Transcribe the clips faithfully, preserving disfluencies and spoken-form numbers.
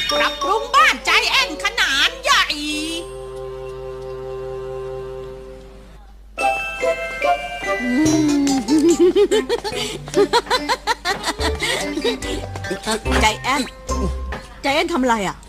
ปรับปรุงบ้านใจแอนขนาดใหญ่ใจแอนใจแอนทำอะไรอ่ะ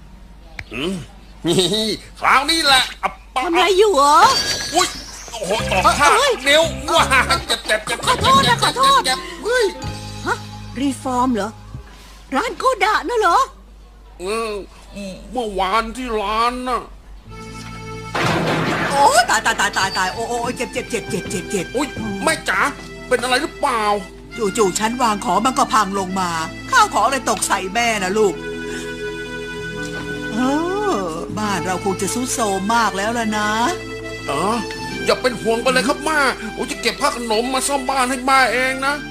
นี่คราวนี้แหละอับปะทำอะไรอยู่เหรออุ้ยโอ้โหตอกข้าเอ้ยนิ้วว้าเจ็บเจ็บเจ็บขอโทษนะขอโทษเจ็บเฮ้ยฮะรีฟอร์มเหรอร้านโกดะน่ะเหรอเออเมื่อวานที่ร้านน่ะโอ้ตายตายตายตายตายโอ้โอ้เจ็บเจ็บเจ็บเจ็บเจ็บเจ็บอุ้ยแม่จ๋าเป็นอะไรหรือเปล่าจู่ๆฉันวางของมันก็พังลงมา ข้าวของเลยตกใส่แม่นะลูกเออบ้านเราคงจะซุดโซมมากแล้วล่ะนะเอออย่าเป็นห่วงไปเลยครับม่าผมจะเก็บผ้าขนมมาซ่อมบ้านให้ม่าเองนะ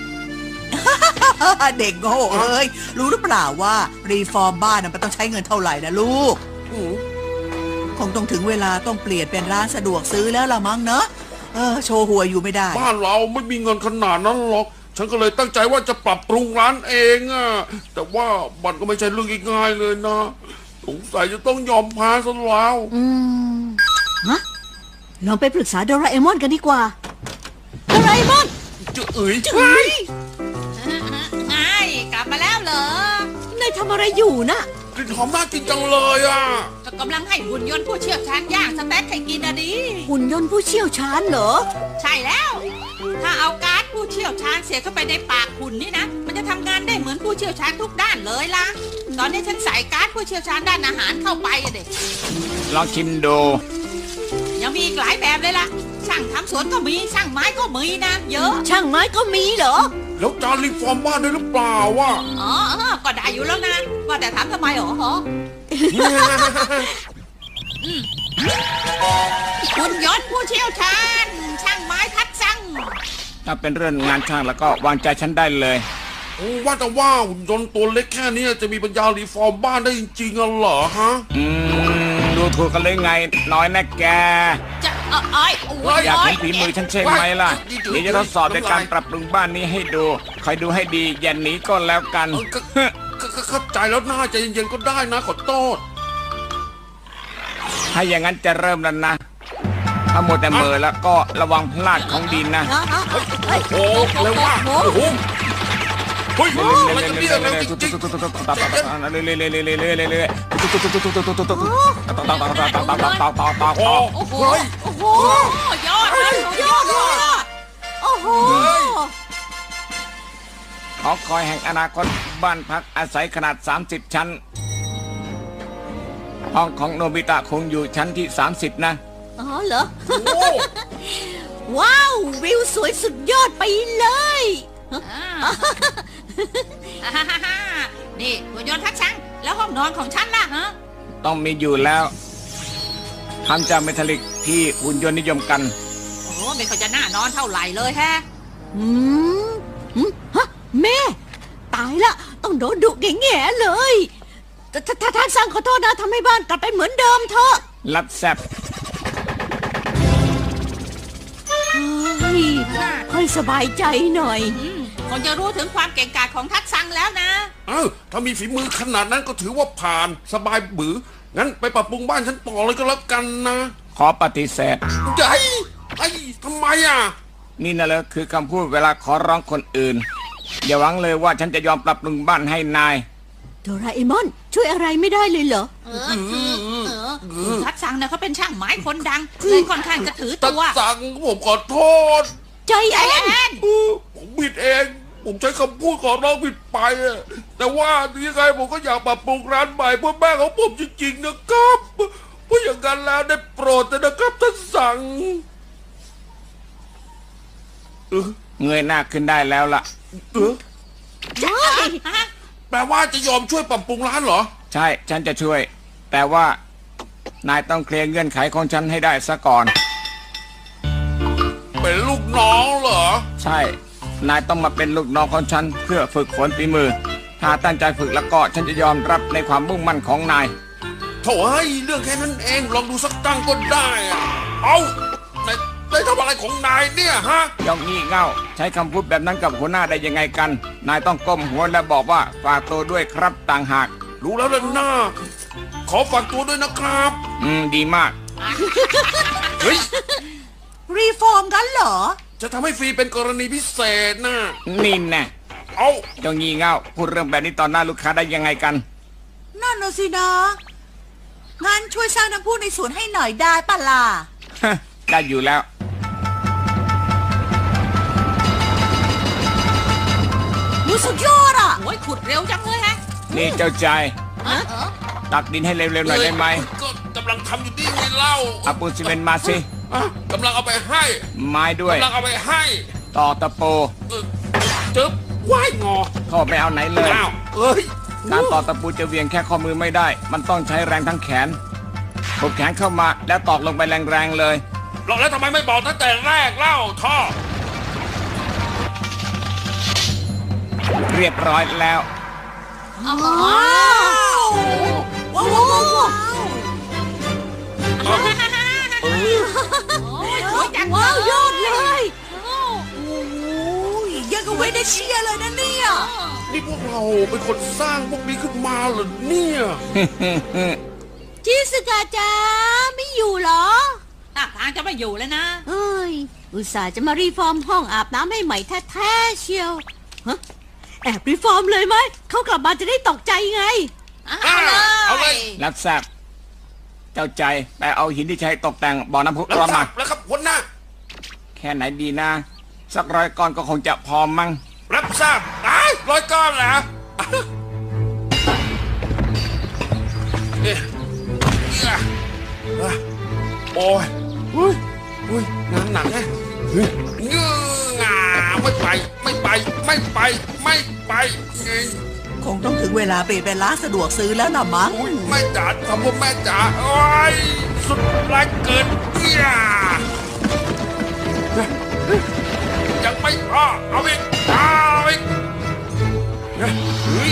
เด็กโง่เอ้ยรู้หรือเปล่าว่ารีฟอร์มบ้านน่ะมันต้องใช้เงินเท่าไหร่นะลูกอืมคงต้องถึงเวลาต้องเปลี่ยนเป็นร้านสะดวกซื้อแล้วละมั้งเนอะเออโชว์หัวอยู่ไม่ได้บ้านเราไม่มีเงินขนาดนั้นหรอกฉันก็เลยตั้งใจว่าจะปรับปรุงร้านเองอะแต่ว่ามันก็ไม่ใช่เรื่องง่ายๆเลยนะสงสัยจะต้องยอมแพ้ซะแล้วอืมฮะลองไปปรึกษาโดราเอมอนกันดีกว่าโดราเอมอนจะเอ๋ยเฮ้ยไงกลับมาแล้วเหรอนายทำอะไรอยู่น่ะกลิ่นหอมน่ากินจังเลยอ่ะก็กำลังให้หุ่นยนต์ผู้เชี่ยวชาญย่างสเต็กให้กินอะดิหุ่นยนต์ผู้เชี่ยวชาญเหรอใช่แล้ว ถ้าเอาการ์ดผู้เชี่ยวชาญเสียบเข้าไปในปากหุ่นนี่นะ มันจะทำงานได้เหมือนผู้เชี่ยวชาญทุกด้านเลยล่ะ ตอนนี้ฉันใส่การ์ดผู้เชี่ยวชาญด้านอาหารเข้าไปอะเด็กลองชิมดูยังมีอีกหลายแบบเลยล่ะ ช่างทำสวนก็มี ช่างไม้ก็มีนะ เยอะช่างไม้ก็มีเหรอแล้วจานรีฟอร์มบ้านได้หรือเปล่าวะอ๋อเออก็ได้อยู่แล้วนะ ว่าแต่ถามทำไมหรอฮะหุ่นยนต์ผู้เชี่ยวชาญ ช่างไม้ทัดสั่งถ้าเป็นเรื่องงานช่างแล้วก็วางใจฉันได้เลยโอ้ว่าแต่ว่าหุ่นยนต์ตัวเล็กแค่นี้จะมีปัญญารีฟอร์มบ้านได้จริงๆเหรอฮะอืม ดูถูกกันเลยไง น้อยนะแกจะเออเอ้ยโอ้ยอยากโเห็นฝีมือฉันใช่ไหมล่ะ เดี๋ยวจะทดสอบในการปรับปรุงบ้านนี้ให้ดู คอยดูให้ดี อย่าหนีก็แล้วกันเออก็ก็ก็เข้าใจแล้วน่าใจเย็นๆก็ได้นะขอโทษถ้าอย่างนั้นจะเริ่มแล้วนะ ถ้าหมดแต่มือแล้วก็ระวังพลาดของดินนะโอ้เร็วมากโอ้โหเฮ้ยอะไรกันเนี่ยเร็วจริงๆโอ้โอ้โหเฮ้ยโอ้โห ยอดเลยยอดเลยอะโอ้โหหอคอยแห่งอนาคตบ้านพักอาศัยขนาด สามสิบ ชั้น ห้องของโนบิตะคงอยู่ชั้นที่ สามสิบ นะอ๋อเหรอโอ้ว้าว วิวสวยสุดยอดไปเลยอ่าอ่าฮ่าฮ่าฮ่านี่หุ่นยนต์ทักชังแล้วห้องนอนของฉันล่ะฮะต้องมีอยู่แล้วทำจากเมทัลลิกที่หุ่นยนต์นิยมกันโอ้ไม่เขาจะน่านอนเท่าไหร่เลยแฮะอืมอืมฮะแม่ ตายละ ต้องโดนดุแง่ๆเลยถ้าถ้าถ้าท่านสั่งขอโทษนะทำให้บ้านกลับไปเหมือนเดิมเถอะลับแซบเฮ้ยให้สบายใจหน่อยอืมคงจะรู้ถึงความเก่งกาจของทักชังแล้วนะเอ้าถ้ามีฝีมือขนาดนั้นก็ถือว่าผ่านสบายบืองั้นไปปรับปรุงบ้านฉันต่อเลยก็แล้วกันนะขอปฏิเสธใหญ่ไอ้ทำไมอ่ะนี่นะเลยคือคำพูดเวลาขอร้องคนอื่น อย่าหวังเลยว่าฉันจะยอมปรับปรุงบ้านให้นายโดราเอมอน ช่วยอะไรไม่ได้เลยเหรอเออคือเออคือทักชังเนี่ยเขาเป็นช่างไม้คนดังเลยค่อนข้างจะถือตัตัดวสั่งผมขอโทษใจแอแอน นเออผมผิดเอง ผมใช้คำพูดขอร้องผิดไปอะแต่ว่ายังไงผมก็อยากปรับปรุงร้านใหม่เพื่อแม่ของผมจริงๆนะครับเพราะอย่างนั้นแล้วได้โปรดเถอะนะครับท่านสั่งเออเงยหน้าขึ้นได้แล้วล่ะเออฮะแปลว่าจะยอมช่วยปรับปรุงร้านเหรอใช่ฉันจะช่วย แต่ว่านายต้องเคลียร์เงื่อนไขของฉันให้ได้ซะก่อนเป็นลูกน้องเหรอใช่ นายต้องมาเป็นลูกน้องของฉันเพื่อฝึกฝนฝีมือ ถ้าตั้งใจฝึกแล้วก็ฉันจะยอมรับในความมุ่งมั่นของนายโถ่เฮ้ยเรื่องแค่นั้นเองลองดูสักตั้งก็ได้อะเอานายนายทำอะไรของนายเนี่ยฮะยองงี่เง่าใช้คำพูดแบบนั้นกับหัวหน้าได้ยังไงกัน นายต้องก้มหัวและบอกว่าฝากตัวด้วยครับต่างหากรู้แล้วล่ะหน้า ขอฝากตัวด้วยนะครับอืม ดีมากเฮ้ยรีฟอร์มกันเหรอจะทำให้ฟรีเป็นกรณีพิเศษนะนี่แน่เอาเจ้างี่เง่าพูดเรื่องแบบนี้ตอนหน้าลูกค้าได้ยังไงกันนั่นน่ะสินะงั้นช่วยสร้างน้ำพุในสวนให้หน่อยได้ปะล่ะได้อยู่แล้วมูสุดยอดอ่ะโอ้ยขุดเร็วจังเลยฮะนี่เจ้าใจเออเออตักดินให้เร็วๆหน่อยได้ไหมก็กำลังทำอยู่นี่ไงเล่าเอาปูนซีเมนต์มาสิอ่ะกำลังเอาไปให้ไม้ด้วยกำลังเอาไปให้ต่อตะปูเออจึ๊บว่ายงอพ่อไม่เอาไหนเลยอ้าวเอ้ยการต่อตะปูจะเหวียงแค่ข้อมือไม่ได้ มันต้องใช้แรงทั้งแขนกดแขนเข้ามาแล้วตอกลงไปแรงๆเลยหรอกแล้วทำไมไม่บอกตั้งแต่แรกเล่าท่อเรียบร้อยแล้วอ๋อว้าวว้าวว้าวว้าวโอ้ยสวยจังว้าวยอดเลยโอ้โอ้ยยังกับเวเนเชียเลยนะเนี่ยนี่พวกเราเป็นคนสร้างพวกนี้ขึ้นมาเหรอเนี่ยชิสกาจ้าไม่อยู่เหรอท่าทางจะไม่อยู่แล้วนะเอ้ย อุตส่าห์จะมารีฟอร์มห้องอาบน้ำให้ใหม่แท้ๆเชียวฮะแอบรีฟอร์มเลยไหม เขากลับมาจะได้ตกใจไงเอาเลยเอาเลยรับทราบเจ้าใจไปเอาหินที่ใช้ตกแต่งบ่อน้ำพุแล้วร้อนครัมาบแล้วครับหัวหน้าแค่ไหนดีนะ สักร้อยก้อนก็คงจะพอมั้งรับทราบตายร้อยก้อนเหรอเอ๊ะเอี้ยอ่ะโอ้ยอุ้ยอุ้ยงานหนักแฮะเฮ้ยเงื้องาไม่ไป ไม่ไป ไม่ไป ไม่ไปไงคงต้องถึงเวลาเปลี่ยนเป็นร้านสะดวกซื้อแล้วล่ะมั้งอุ้ยแม่จ๋าทำพวกแม่จ๋าโอ้ยสุดแรงเกินเอี้ยยังไม่พอเอาอีกเอาอีกเฮ้ย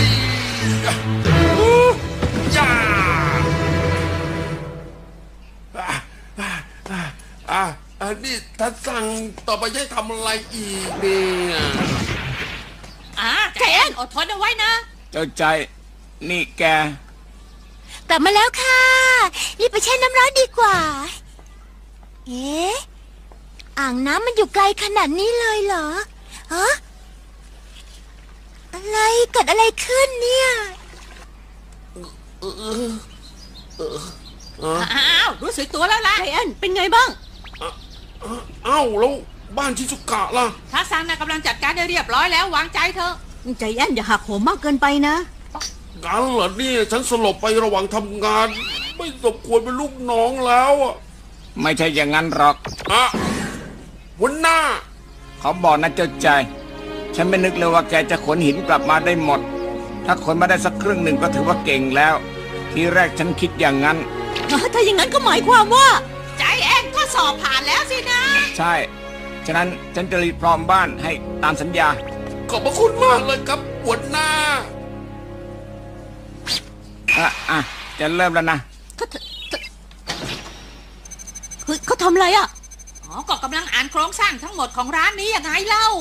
จ้าอ่ะอ่ะอ่ะอ่ะอันนี้ท่านสั่งต่อไปให้ทำอะไรอีกเนี่ยอ่าใจแอนอดทนเอาไว้นะเจ้าใจนี่แกกลับมาแล้วค่ะ รีบไปแช่น้ำร้อนดีกว่า เอ๊ะ อ่างน้ำมันอยู่ไกลขนาดนี้เลยเหรอฮะอะไรเกิดอะไรขึ้นเนี่ยอ้าว รู้สึกตัวแล้วล่ะไทแอนเป็นไงบ้างเอ้าแล้วบ้านชิซุกะล่ะพระซังน่ะกำลังจัดการได้เรียบร้อยแล้ววางใจเถอะใจแอนอย่าหักโหมมากเกินไปนะงั้นเหรอเนี่ยฉันสลบไประหว่างทำงาน ไม่สมควรเป็นลูกน้องแล้วอ่ะไม่ใช่อย่างนั้นหรอกอะหัวหน้าเขาบอกนะเจ้าใจ ฉันไม่นึกเลยว่าแกจะขนหินกลับมาได้หมด ถ้าขนมาได้สักครึ่งหนึ่งก็ถือว่าเก่งแล้ว ทีแรกฉันคิดอย่างนั้นถ้าอย่างนั้นก็หมายความว่าใจแอนก็สอบผ่านแล้วสินะใช่ ฉะนั้นฉันจะรีบพร้อมบ้านให้ตามสัญญาขอบพระคุณมากเลยครับหัวหน้าอ่ะอ่ะจะเริ่มแล้วนะเขาเฮ้ยเขาทำอะไรอ่ะอ๋อ ก็กำลังอ่านโครงสร้างทั้งหมดของร้านนี้ยังไงเล่า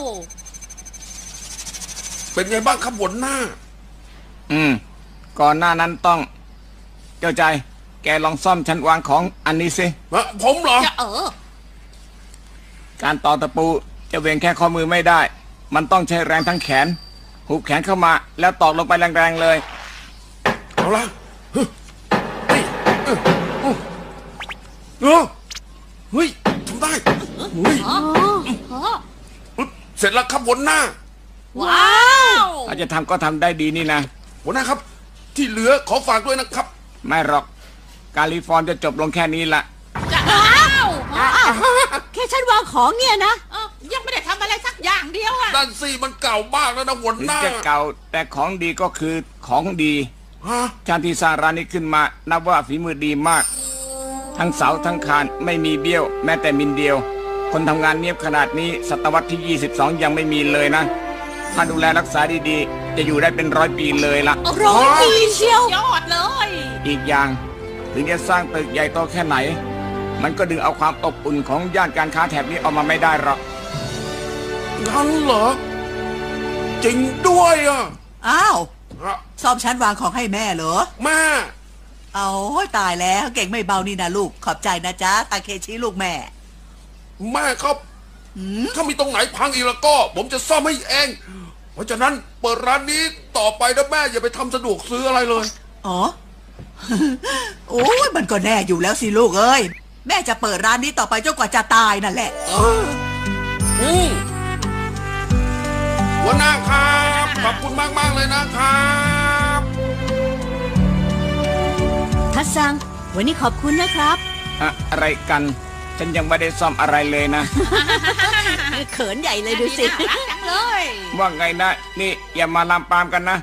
เป็นไงบ้างครับหัวหน้าอืม ก่อนหน้านั้นต้อง เจ้าใจ แกลองซ่อมชั้นวางของอันนี้สิฮะผมเหรอจะเออการต่อตะปูจะเวียงแค่ข้อมือไม่ได้ มันต้องใช้แรงทั้งแขน หุบแขนเข้ามา แล้วตอกลงไปแรงๆเลยเอาละเฮ้ยเฮ้ยเออเออเออเฮ้ยทำได้เฮ้ยอ๋ออ๋อปึ๊บเสร็จแล้วครับหัวหน้าว้าวอาจจะทำก็ทำได้ดีนี่นะหัวหน้าครับ ที่เหลือขอฝากด้วยนะครับไม่หรอก การรีฟอร์มจะจบลงแค่นี้ละจะอ้าวอ๋อแค่ฉันวางของเนี่ยนะเอ้ายังไม่ได้ทำอะไรสักอย่างเดียวอ่ะด้านซี่มันเก่ามากแล้วนะหัวถึงหน้าจะเก่าแต่ของดีก็คือของดีฮะชาติที่สร้างร้านนี้ขึ้นมา นับว่าฝีมือดีมาก ทั้งเสาทั้งคานไม่มีเบี้ยว แม้แต่มิลเดียว คนทำงานเนียบขนาดนี้ศตวรรษที่ ยี่สิบสอง ยังไม่มีเลยนะ ถ้าดูแลรักษาดีๆ จะอยู่ได้เป็นร้อยปีเลยละร้อยปีเชียวยอดเลยอีกอย่าง ถึงจะสร้างตึกใหญ่โตแค่ไหน มันก็ดึงเอาความอบอุ่นของย่านการค้าแถบนี้ออกมาไม่ได้หรอกงั้นเหรอ จริงด้วยอ่ะอ้าวฮฮะซ่อมชั้นวางของให้แม่เหรอแม่เอาตายแล้วเก่งไม่เบานี่นะลูกขอบใจนะจ๊ะตาเคชิลูกแม่แม่ครับหืมถ้ามีตรงไหนพังอีกแล้วก็ ผมจะซ่อมให้เอง เพราะฉะนั้นเปิดร้านนี้ต่อไปนะแม่อย่าไปทำสะดวกซื้ออะไรเลยอ๋อ โอ้ยมันก็แน่อยู่แล้วสิลูกเอ้ยแม่จะเปิดร้านนี้ต่อไปจนกว่าจะตายนั่นแหละอืมหัวหน้าครับขอบคุณมากมากๆเลยนะครับทัดซัง วันนี้ขอบคุณนะครับอะอะไรกัน ฉันยังไม่ได้ซ่อมอะไรเลยนะเขินใหญ่เลยดูสิน่ารักจังเลยว่าไงนะ นี่อย่ามาลามปามกันนะ